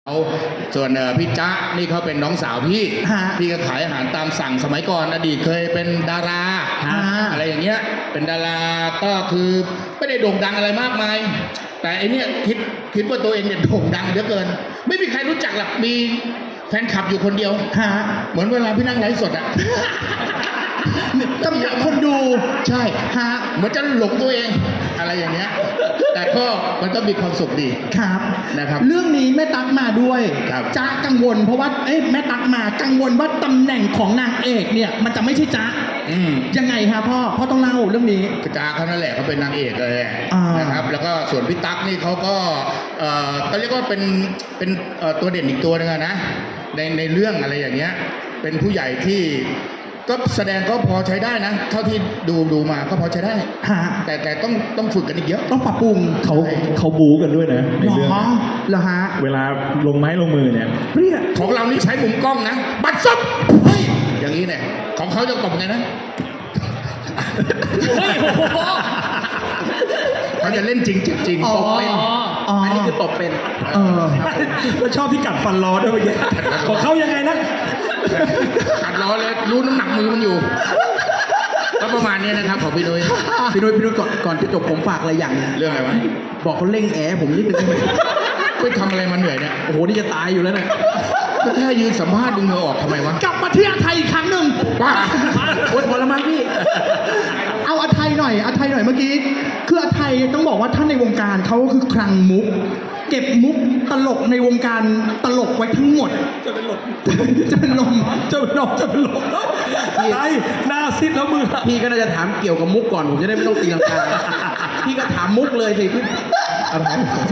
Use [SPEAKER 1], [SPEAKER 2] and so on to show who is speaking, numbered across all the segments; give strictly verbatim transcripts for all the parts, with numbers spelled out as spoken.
[SPEAKER 1] เอาส่วนพี่จ๊ะนี่เขาเป็นน้องสาวพี่พี่ก็ขายอาหารตามสั่งสมัยก่อนอดีตเคยเป็นดาราอะไรอย่างเงี้ยเป็นดาราก็คือไม่ได้โด่งดังอะไรมากมายแต่ไอเนี้ยคิดคิดว่าตัวเองเนี่ยโด่งดังเหลือเกินไม่มีใครรู้จักหรอกมีแฟนคลับอยู่คนเดียวเหมือนเวลาพี่นั่งไลฟ์สดอะ
[SPEAKER 2] จำกัดคนดู
[SPEAKER 1] ใช่ฮะเหมือนจะหลงตัวเองอะไรอย่างเงี้ยแต่ก็มันก็มีความสุขดี
[SPEAKER 2] ครับ
[SPEAKER 1] นะครับ
[SPEAKER 2] เรื่องนี้แม่ตั๊กมาด้วยจ๊ะกังวลเพราะว่าเอ๊ะแม่ตั๊กมากังวลว่าตำแหน่งของนางเอกเนี่ยมันจะไม่ใช่จ๊ะยังไงครับพ่อพ่อต้องเล่าเรื่องนี้
[SPEAKER 1] จ๊ะเขานั่นแหละเขาเป็นนางเอกเลยนะครับแล้วก็ส่วนพี่ตั๊กนี่เขาก็เอ่อก็เรียกว่าเป็นเป็นตัวเด่นอีกตัวนึงนะในในเรื่องอะไรอย่างเงี้ยเป็นผู้ใหญ่ที่ก็แสดงก็พอใช้ได้นะเท่าที่ดูดูมาก็พอใช้ได้แต่แต่ต้องต้องฝึกกันอีกเยอะ
[SPEAKER 2] ต้องปรับปรุง
[SPEAKER 3] เขาเขาบู๊กันด้วยนะในเรื่อง
[SPEAKER 2] เหรอฮะ
[SPEAKER 3] เวลาลงไม้ลงมือเนี่ย
[SPEAKER 1] เปรี้ยของเรานี่ใช้มุมกล้องนะบัดซับเฮ้ยอย่างนี้เนี่ยของเขาจะตบไงนะเฮ้ยเขาจะเล่นจริงจริงตบเป็น
[SPEAKER 2] อันนี้คือตบเป็น
[SPEAKER 3] เออแล้วชอบที่กัดฟันล้อด้วยเมื่อกี้ของเขายังไงนะ
[SPEAKER 1] กัดล้อเลยรู้น้ำหนักมือมันอยู่ก็ประมาณนี้นะครับของพี่นุ้ย
[SPEAKER 2] พี่นุ้ยพี่นุ้ยก่อนก่อนจะจบผมฝากอะไรอย่างนึง
[SPEAKER 1] เรื่องอะไรวะ
[SPEAKER 2] บอกเขาเร่งแอร์ผมนิดนึง
[SPEAKER 1] ไปทำอะไรมาเหนื่อยเนี่ย
[SPEAKER 2] โอ้โหนี่จะตายอยู่แล้วเนี่ย
[SPEAKER 1] ก็แค่ยืนสัมภาษณ์ดึงเหงื่อออกทำไมวะ
[SPEAKER 2] กลับมาที่อาไทยอีกครั้งหนึ่ง
[SPEAKER 1] ว้า
[SPEAKER 2] โอ๊ยพอแล้วมั้งพี่เอาอาไทยหน่อยอาไทยหน่อยเมื่อกี้คืออาไทยต้องบอกว่าท่านในวงการเขาคือคลังมุกเก็บมุกตลกในวงการตลกไว้ทั้งหมด
[SPEAKER 3] จะเป็นลม
[SPEAKER 2] จะเป็นลม
[SPEAKER 3] จะเป็นลมจะเป็นลมไอ้หน้าซิดแล้วมือ
[SPEAKER 2] พี่ก็น่าจะถามเกี่ยวกับมุกก่อนผมจะได้ไม่ต้องตีลังกาพี่ก็ถามมุกเลยสิพี่
[SPEAKER 3] อะไร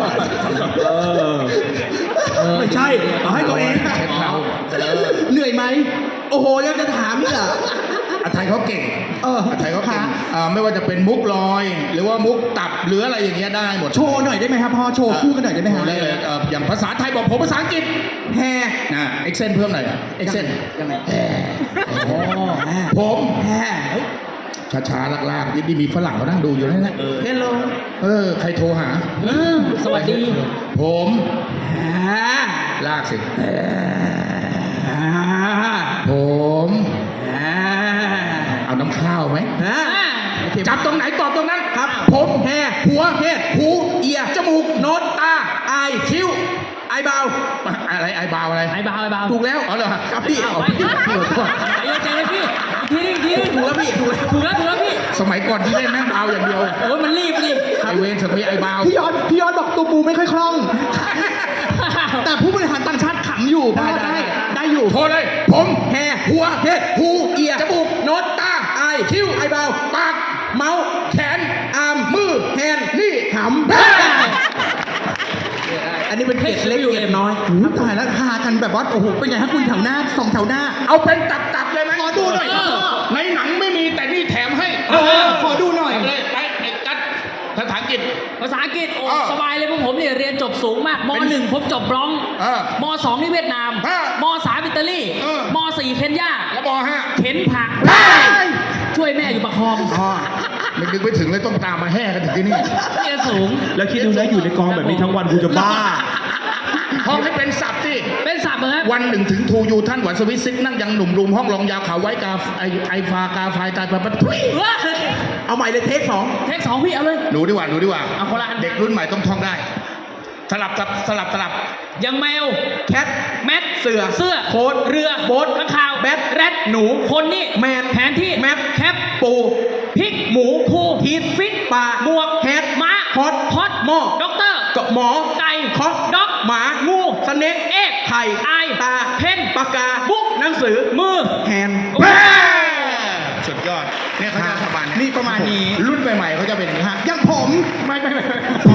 [SPEAKER 3] ไม่ใช่เอาให้ตัวเอง
[SPEAKER 2] เหนื่อยไหมโอ้โหยังจะถามนี่เหรอ
[SPEAKER 1] อาไทยเขาเก่งเอออาไทยเขาเก่งไม่ว่าจะเป็นมุกลอยหรือว่ามุกตับหรืออะไรอย่างเงี้ยได้หมด
[SPEAKER 2] โชว์หน่อยได้ไหมครับพ่อโชว์คู่กันหน่อยได้ไหมฮะ
[SPEAKER 1] ได้เลยอย่างภาษาไทยบอกผมภาษาอังกฤษ
[SPEAKER 2] แฮ
[SPEAKER 1] นะเอ็กเซนเพิ่มหน่อยเอ็กเซน
[SPEAKER 2] ยังไงแฮ
[SPEAKER 1] ผม
[SPEAKER 2] แฮ
[SPEAKER 1] ช้าๆลากๆนี่มีฝรั่งเขานั่งดูอยู่นั่นแหละ
[SPEAKER 2] เฮลโล
[SPEAKER 1] เออใครโทรหา
[SPEAKER 2] สวัสดี
[SPEAKER 1] ผมลากสิผมเอาน้ำข้าวไหมจับตรงไหนตอบตรงนั้น
[SPEAKER 2] ครับ
[SPEAKER 1] ผม
[SPEAKER 2] แฮ
[SPEAKER 1] หัว
[SPEAKER 2] เพศ
[SPEAKER 1] หู
[SPEAKER 2] เอีย
[SPEAKER 1] จมูกโนตตา
[SPEAKER 2] ไอ
[SPEAKER 1] คิ้ว
[SPEAKER 2] ไอเบา
[SPEAKER 1] อะไรไอเบาอะไร
[SPEAKER 2] ไอเบาไอเบา
[SPEAKER 1] ถูกแล้วอ๋อเหรอครับพี่
[SPEAKER 2] เอาพี่ใจเย็นพี่ทีนึงทีนึงถูกแล้วพี่ถูกแล้วถูกแล้วถูกแล้วพี่
[SPEAKER 1] สมัยก่อนที่เล่นแม่งเบาอย่างเดียว
[SPEAKER 2] โอ้ยมันรีบดิ
[SPEAKER 1] ไอเวนสมัยไอเบา
[SPEAKER 2] พี่ยอดพี่ยอดบอกตัวปูไม่ค่อยคล่องแต่ผู้บริหารต่างชาติขำอยู่ได้ได้ได้อยู่
[SPEAKER 1] โทรเลยผม
[SPEAKER 2] แฮ
[SPEAKER 1] หัว
[SPEAKER 2] เพศหูเอีย
[SPEAKER 1] จมูก
[SPEAKER 2] โนตตาไอ
[SPEAKER 1] คิ้ว
[SPEAKER 2] ไอเบา
[SPEAKER 1] ปาก
[SPEAKER 2] เมาส์
[SPEAKER 1] แขน
[SPEAKER 2] อาร์ม
[SPEAKER 1] มือ
[SPEAKER 2] แฮน
[SPEAKER 1] นี่
[SPEAKER 2] หำอันนี้เป็นเกล็ดเล็กเกล็ดน้อยตายแล้วพากันแบบว่าโอ้โหเป็นไงฮะคุณแถวหน้าสองแถวหน้า
[SPEAKER 1] เอาเป็นตับๆเลยไหม
[SPEAKER 2] ขอดูหน่อย
[SPEAKER 1] ในหนังไม่มีแต่นี่แถมให้
[SPEAKER 2] ขอดูหน่อย
[SPEAKER 1] เลยไปไอ้กัดภาษาอังกฤษ
[SPEAKER 4] ภาษาอังกฤษโอ้สบายเลยพวกผมเนี่ยเรียนจบสูงมากมหนึ่งผมจบร้องมสองนี่เวียดนามมสามอิตาลีมสี่เคนยา
[SPEAKER 1] แล้วมห้า
[SPEAKER 4] เข็นผักช่วยแม่อยู่ประคอง
[SPEAKER 1] ไม่นึกไม่ถึงเลยต้องตามมาแห่กันถึงที่นี่
[SPEAKER 4] เรียนสูง
[SPEAKER 3] แล้วคิดดูนะอยู่ในกองแบบนี้ทั้งวันกูจะบ้า
[SPEAKER 1] ห้องให้เป็นศัพท์ที่
[SPEAKER 4] เป็นศัพท์เหรอ
[SPEAKER 1] วันหนึ่งถึงทูยูท่านหวันสวิตซิกนั่งยังหนุ่มรุมห้องรองยาวขาวไว้กาไอไอฟากาไฟตายไปปัดทุย
[SPEAKER 2] เอาใหม่เลยเทคสอง
[SPEAKER 4] เทคสองพี่เอาเลย
[SPEAKER 1] หนูดีกว่าหนูดีกว่า
[SPEAKER 4] เอาคนละอัน
[SPEAKER 1] เด็กรุ่นใหม่ต้องท่องได้สลับสลับสลับสลับ
[SPEAKER 4] ยังแมว
[SPEAKER 2] แคท
[SPEAKER 4] แมท
[SPEAKER 2] เสือ
[SPEAKER 4] เสื้อ
[SPEAKER 2] โค้ด
[SPEAKER 4] เรือ
[SPEAKER 2] โบ๊ท
[SPEAKER 4] ข้างข่าว
[SPEAKER 2] แบท
[SPEAKER 4] แรด
[SPEAKER 2] หนู
[SPEAKER 4] คนนี่
[SPEAKER 2] แมน
[SPEAKER 4] แผนที่
[SPEAKER 2] แมป
[SPEAKER 4] แคป
[SPEAKER 2] ปู
[SPEAKER 4] พริก
[SPEAKER 2] หมู
[SPEAKER 4] คู
[SPEAKER 2] ทีด
[SPEAKER 4] ฟิต
[SPEAKER 2] ปลา
[SPEAKER 4] บวก
[SPEAKER 2] แฮด
[SPEAKER 4] ม้า
[SPEAKER 2] ฮอต
[SPEAKER 4] ฮอต
[SPEAKER 2] หม้อ
[SPEAKER 4] ด็อกเตอร์
[SPEAKER 2] กับหมอ
[SPEAKER 4] ไก่
[SPEAKER 2] คอก
[SPEAKER 4] ด็อก
[SPEAKER 2] หมา
[SPEAKER 4] งู
[SPEAKER 2] สเน็ก
[SPEAKER 4] เอ็ก
[SPEAKER 2] ไข่
[SPEAKER 4] ไอ
[SPEAKER 2] ตา
[SPEAKER 4] เพน
[SPEAKER 2] ปากกา
[SPEAKER 4] บุ๊ก
[SPEAKER 2] หนังสือ
[SPEAKER 4] มือ
[SPEAKER 2] แฮน
[SPEAKER 1] สุดยอดเนี่ยเขาจะประมาณนี้
[SPEAKER 2] นี่ประมาณนี้
[SPEAKER 1] รุ่นใหม่ๆเขาจะเป็นอย่างนี้
[SPEAKER 2] ยังผม
[SPEAKER 1] ไม่ไม่ไม่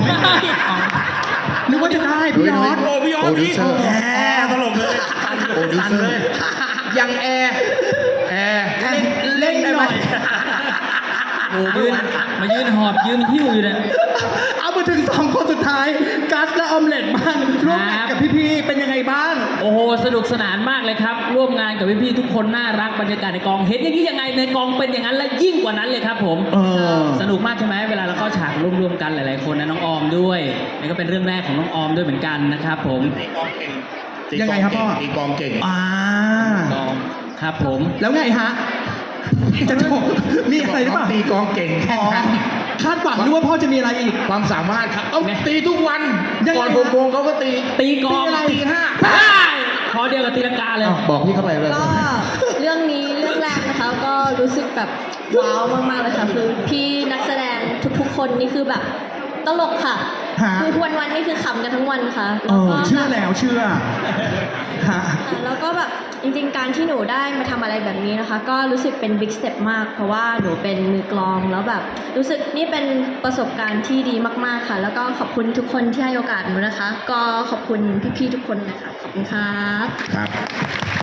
[SPEAKER 2] นึกว่าจะได้พี่ยอด
[SPEAKER 3] โอ้พี่ยอดพี่แอร์ตลกเลย
[SPEAKER 1] โอ้ดิเซอร์
[SPEAKER 2] ยังแอร์
[SPEAKER 1] แอร์
[SPEAKER 2] เล่นหน่อย
[SPEAKER 4] โอ้ยืนมายืนหอบยืนหิ้วอยู่เนี่ย
[SPEAKER 2] เอามาถึงสองคนสุดท้ายกัสและออมเล็ตบ้างร่วมงานกับพี่ๆเป็นยังไงบ้าง
[SPEAKER 4] โอ้โอ้โหสนุกสนานมากเลยครับ ร่วมงานกับพี่ๆทุกคนน่ารักบรรยากาศในกองเห็นอย่างนี้ยังไงในกองเป็นอย่างนั้นและยิ่งกว่านั้นเลยครับผม
[SPEAKER 2] เออ
[SPEAKER 4] สนุกมากใช่ไหมเวลาเราเข้าฉากร่วมๆกันหลายๆคนนะน้องออมด้วยนี่ก็เป็นเรื่องแรกของน้องออมด้วยเหมือนกันนะครับผม
[SPEAKER 1] ตีกองเก่ง
[SPEAKER 2] ยังไงครับพ่อ
[SPEAKER 1] ตีกองเก่ง
[SPEAKER 2] อ่า
[SPEAKER 4] ออมครับผม
[SPEAKER 2] แล้วไงฮะ จะจบมีอะไรหรือเปล่า
[SPEAKER 1] ตีกองเก่งแค่
[SPEAKER 2] อ๋อ
[SPEAKER 1] นั้น
[SPEAKER 2] คาดหวังด้วยว่าพ่อจะมีอะไรอีก
[SPEAKER 1] ความสามารถครับเอาตีทุกวัน
[SPEAKER 2] ยังไง
[SPEAKER 1] ก่อน
[SPEAKER 2] ฮะ
[SPEAKER 1] หกโมงเขาก็ตี
[SPEAKER 4] ตีกลอง
[SPEAKER 2] ตีอะไร
[SPEAKER 1] ตีห้า
[SPEAKER 4] ได้พอเดียวกับตีลังกาเลย
[SPEAKER 1] อ้าวบอกพี่เข้าไปเลย
[SPEAKER 5] ก็เรื่องนี้เรื่องแรกนะคะก็รู้สึกแบบว้าวมากๆเลยค่ะคือพี่นักแสดงทุกๆ คนนี่คือแบบตลกค่ะ
[SPEAKER 2] ฮะ
[SPEAKER 5] คือวันวันๆนี่คือขำกันทั้งวันค่ะ
[SPEAKER 2] เอ
[SPEAKER 5] แล้ว
[SPEAKER 2] อ
[SPEAKER 5] ก็
[SPEAKER 2] เชื่อแล้วเชื่อฮะ
[SPEAKER 5] ค่ะแล้วก็แบบจริงๆการที่หนูได้มาทำอะไรแบบนี้นะคะ ก็รู้สึกเป็นบิ๊กสเต็ปมาก เพราะว่าหนูเป็นมือกลองแล้วแบบ รู้สึกนี่เป็นประสบการณ์ที่ดีมากๆค่ะ แล้วก็ขอบคุณทุกคนที่ให้โอกาสหนูนะคะ ก็ขอบคุณพี่ๆทุกคนนะคะขอบคุณครับ
[SPEAKER 1] ครับ